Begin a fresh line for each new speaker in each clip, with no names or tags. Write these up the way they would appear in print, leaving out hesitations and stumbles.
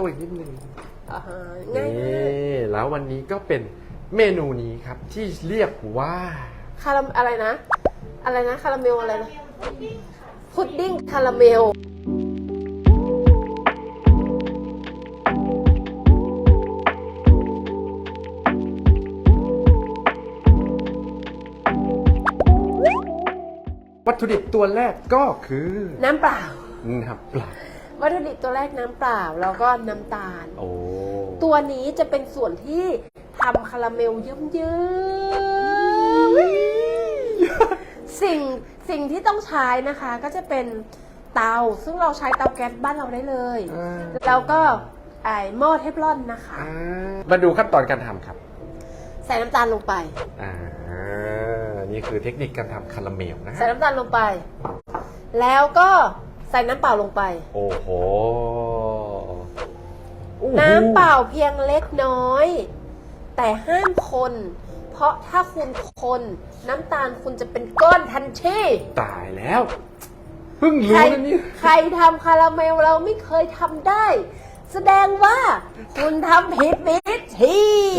ตัวอีกนิดนึง
ง่าย
นี่แล้ววันนี้ก็เป็นเมนูนี้ครับที่เรียกว่า
คาราอะไรนะคาราเมลอะไรนะพุดดิ้งคาราเมล
วัตถุดิบตัวแรกก็คือ
น้ำเปล่า
น้ำเปล่า
วัตถุดิบตัวแรกน้ำเปล่าแล้วก็น้ำตาล
โอ้
ตัวนี้จะเป็นส่วนที่ทำคาราเมลเยิ้มๆสิ่งที่ต้องใช้นะคะก็จะเป็นเตาซึ่งเราใช้เตาแก๊สบ้านเราได้เลยแล้วก็หม้อเทฟลอนนะคะ
มาดูขั้นตอนการทำครับ
ใส่น้ำตาลลงไป
นี่คือเทคนิคการทำคาราเมลนะ
ใส่น้ำตาลลงไปแล้วก็ใส่น้ำเปล่าลงไป
โอ้โห
น้ำเปล่าเพียงเล็กน้อยแต่ห้ามคนเพราะถ้าคุณคนน้ำตาลคุณจะเป็นก้อนทันที
ตายแล้วเพิ่งรู้นะนี่
ใครทำคาราเมลเราไม่เคยทำได้แสดงว่าคุณทำผิดวิธี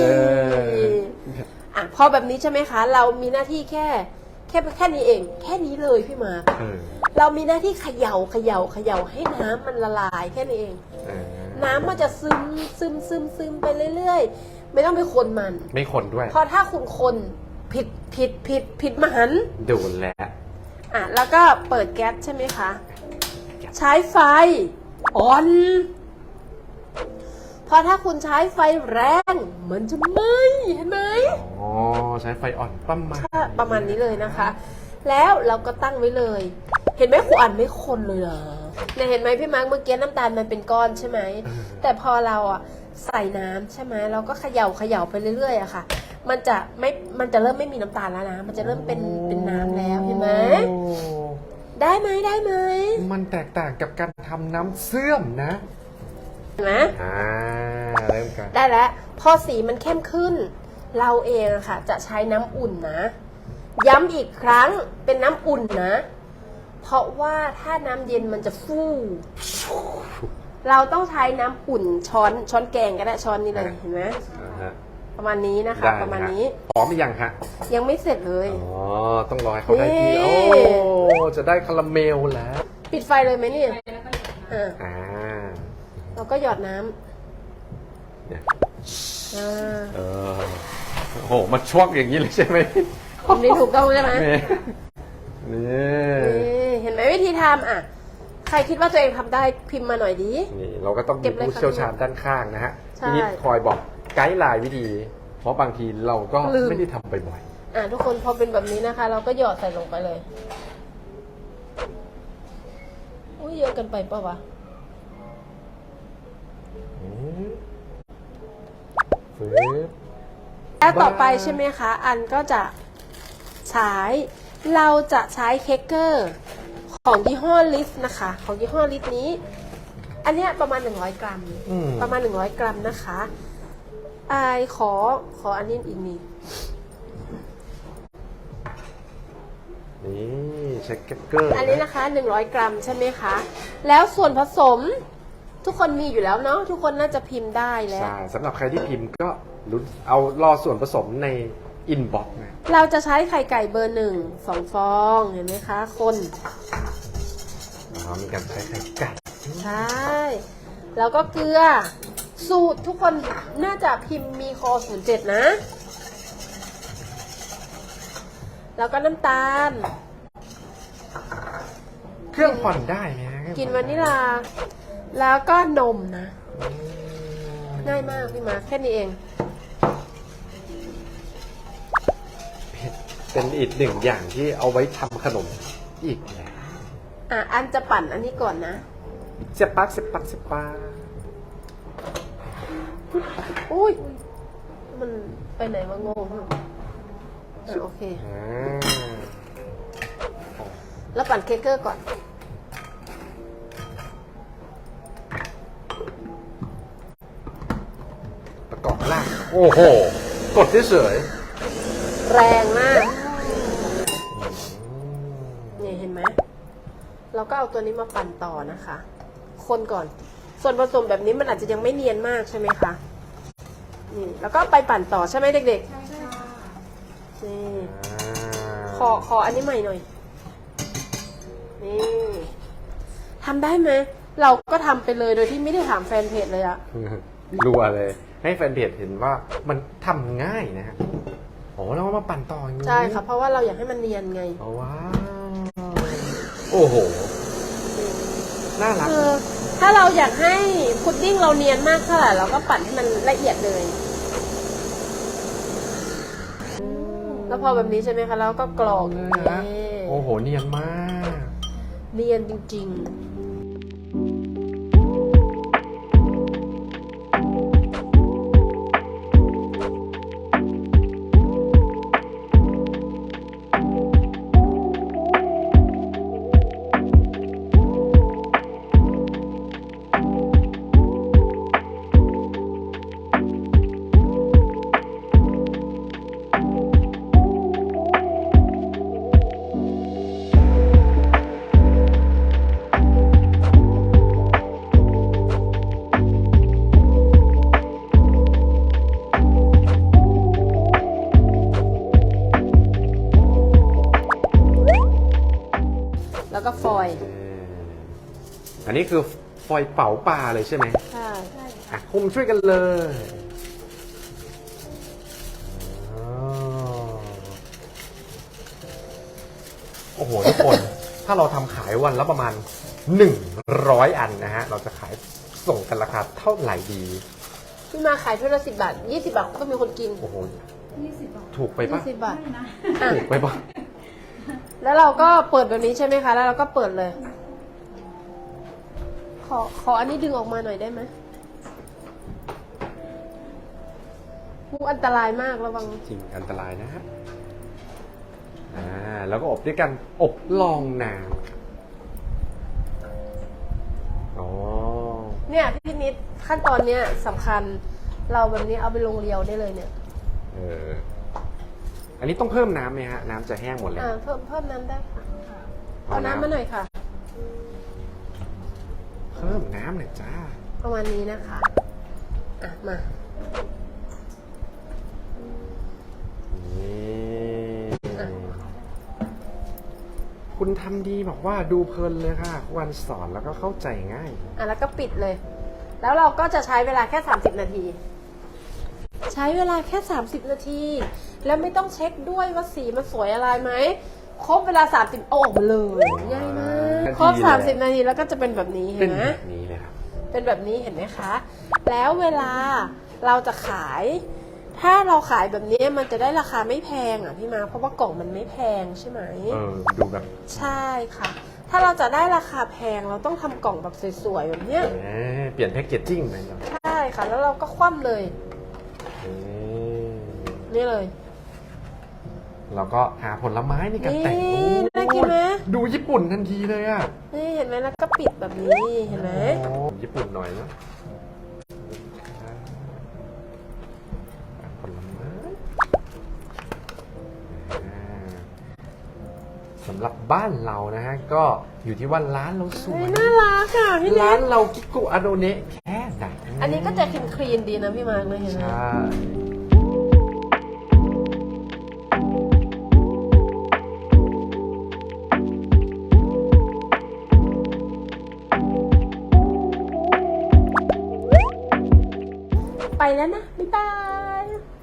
พอแบบนี้ใช่ไหมคะเรามีหน้าที่แค่นี้เองแค่นี้เลยพี่มาเรามีหน้าที่เขย่าให้น้ำมันละลายแค่นี้เองน้ำมันจะซึมไปเรื่อยๆไม่ต้องไปคนมัน
ไม่คนด้วย
เพราะถ้าคุณคนผิดมหัน
โดนแล้ว
แล้วก็เปิดแก๊สใช่ไหมคะใช้ไฟอ่อนเพราะถ้าคุณใช้ไฟแรงมันจะไหม้เห็นไหม
ใช้ไฟอ่อน
ประมาณนี้เลยนะคะแล้วเราก็ตั้งไว้เลยเห็นไหมครูอ่านไม่คนเลยเนี่ยเห็นไหมพี่มาร์คเมื่อกี้น้ำตาลมันเป็นก้อนใช่ไหมแต่พอเราใส่น้ำใช่ไหมเราก็เขย่าไปเรื่อยๆอะค่ะมันจะเริ่มไม่มีน้ำตาลแล้วนะมันจะเริ่มเป็นน้ำแล้วเห็นไหมได้ไหม
มันแตกต่างกับการทำน้ำเสื่อมนะ
เห็นไหม
เริ่มกัน
ได้แล้วพอสีมันเข้มขึ้นเราเองค่ะจะใช้น้ำอุ่นนะย้ำอีกครั้งเป็นน้ำอุ่นนะเพราะว่าถ้าน้ำเย็นมันจะฟูเราต้องใช้น้ำอุ่นช้อนแกงก็ได้ช้อนนี้เลยเห็นไหมประมาณนี้นะคะประมาณนี้
พร้อมหรือยังฮะ
ยังไม่เสร็จเลย
ต้องรอให้เขาได้ที่จะได้คาราเมลแล้ว
ปิดไฟเลยไหมเนี่ยเราก็หยอดน้ำ
โอ้โหมันช่วงอย่างนี้เลยใช่ไหม
นี่ถูกต้องใช่ไหม
นี่
เห็นไหมวิธีทำใครคิดว่าตัวเองทำได้พิมพ์มาหน่อยดี
นี่เราก็ต้องมีผู้เชี่ยวชาญด้านข้างนะฮะทีนี้คอยบอกไกด์ไลน์วิธีเพราะบางทีเราก็ไม่ได้ทำบ่อย
ๆทุกคนพอเป็นแบบนี้นะคะเราก็หยอดใส่ลงไปเลยอุ้ยเยอะเกินไปป่าวะแล้วต่อไปใช่ไหมคะอันก็จะเราจะใช้เค้กเกอร์ของยี่ห้อลิสนะคะของยี่ห้อลิสนี้อันนี้ประมาณ100 กรัมนะคะขออันนี้อีกนี่
ใช้เค้กเกอร์
อันนี้นะคะ100 กรัมใช่ไหมคะแล้วส่วนผสมทุกคนมีอยู่แล้วเนาะทุกคนน่าจะพิมพ์ได้แล้ว
สำหรับใครที่พิมพ์ก็เอารอส่วนผสมในอินบ็อกซ์นะ
เราจะใช้ไข่ไก่เบอร์2 ฟองเห็นไหมคะคน
มีการใช้ไข่ไก่
ใช่แล้วก็เกลือสูตรทุกคนน่าจะพิมพ์มีคอ07นะแล้วก็น้ำตาล
เครื่องผ่อนได้ไหม
กินวานิลาแล้วก็นมนะง่ายมากพี่มาแค่นี้เอง
เป็นอีกหนึ่งอย่างที่เอาไว้ทำขนมอีกแล้ว
อันจะปั่นอันนี้ก่อนนะ
เสียบปัก
อุ้ยมันไปไหนวะงงโอเคแล้วปั่นเค้กเกอร์ก่อน
ประกอบล่างโอ้โหกดเฉย
แรงมากนี่เห็นไหมเราก็เอาตัวนี้มาปั่นต่อนะคะคนก่อนส่วนผสมแบบนี้มันอาจจะยังไม่เนียนมากใช่ไหมคะนี่แล้วก็ไปปั่นต่อใช่ไหมเด็ก
ใช่ค่ะ
ๆนี่ขออันนี้ใหม่หน่อยนี่ทำได้ไหมเราก็ทำไปเลยโดยที่ไม่ได้ถามแฟนเพจเลยอะ
รัวเลย ให้แฟนเพจเห็นว่ามันทำง่ายนะฮะโอ้เรามาปั่นต่ออย่างนี้
ใช่ค่ะเพราะว่าเราอยากให้มันเนียนไง
ว้าวโอ้โหน่ารัก
คือถ้าเราอยากให้พุดดิ้งเราเนียนมากเท่าไหร่เราก็ปั่นให้มันละเอียดเลยแล้วพอแบบนี้ใช่ไหมคะแล้วก็กรอกอย่างนี้
โอ้โหเนียนมาก
เนียนจริงๆแล้วก็ฟอยล์
อันนี้คือฟอยล์เป๋าปลาเลยใช่ไหม
ใช่
อ่ะคุมช่วยกันเลยอ๋อโอ้โหทุกคน ถ้าเราทำขายวันละประมาณ 100 อันนะฮะ เราจะขายส่งกันราคาเท่าไหร่ดี
พี่มาขายถ้วยละ10 บาท 20 บาทก็มีคนกิน
โอ้โห
20 บาท
ถูกไปปะ
20 บาท
ไม่นะ
อ่ะ
ถูกไปปะ
แล้วเราก็เปิดแบบนี้ใช่ไหมคะ แล้วเราก็เปิดเลย ขออันนี้ดึงออกมาหน่อยได้ไหมอันตรายมากระวัง
จริงอันตรายนะฮะแล้วก็อบด้วยกันอบลองน้ำอ๋อ
เนี่ยพี่นิดขั้นตอนเนี้ยสำคัญ เราแบบนี้เอาไปลงเรียวได้เลยเนี่ย
เออ อันนี้ต้องเพิ่มน้ำไหมฮะ น้ำจะแห้งหมดเลย
เพิ่มน้ำได้ค่ะเอาน้ำมาหน่อยค่ะ
เพิ่มน้ำหน่อยจ้า
ประมาณนี้นะคะ อ่ะ มา
นี่คุณทำดีบอกว่าดูเพลินเลยค่ะวันสอนแล้วก็เข้าใจง่าย
อ่ะแล้วก็ปิดเลย แล้วเราก็จะใช้เวลาแค่30 นาที ใช้เวลาแค่30 นาที แล้วไม่ต้องเช็คด้วยว่าสีมันสวยอะไรไหม ครบเวลา30เอาออกมาเลยง่ายมากครบ30 นาทีแล้วก็จะเป็นแบบนี้เห็
เป็น
นไหม
แบบนี้เลยครับ
เป็นแบบนี้เห็นไหมคะ แล้วเวลาเราจะขาย ถ้าเราขายแบบนี้มันจะได้ราคาไม่แพงอ่ะพี่มา เพราะว่ากล่องมันไม่แพงใช่ไหม
ดูแบบ
ใช่ค่ะ ถ้าเราจะได้ราคาแพงเราต้องทำกล่องแบบสวยๆแบบเนี้ย
เปลี่ยนแพ็กเกจจิ้งไปเนาะ
ใช่ค่ะ แล้วเราก็คว่ำเลย นี่เลย
เราก็หาผลไม้ในการแต่ง
นี่น่ากินไหม
ดูญี่ปุ่นทันทีเลยอ่ะ
นี่เห็นไหมแล้วก็ปิดแบบนี้เห็นไหม
โอ้ญี่ปุ่นหน่อยเนาะผลไม้สำหรับบ้านเรานะฮะ ก็อยู่ที่ว่าร้านเราสวย
น่ารักอ่ะพี่เล็
ร้าน
ก
เรากิโกะอาโดเนะแค่ไหน
อันนี้ก็จะคลีนๆดีนะพี่มาร์กเลยเห็นไหม
ใช่
ไปแล้วนะ บ๊ายบาย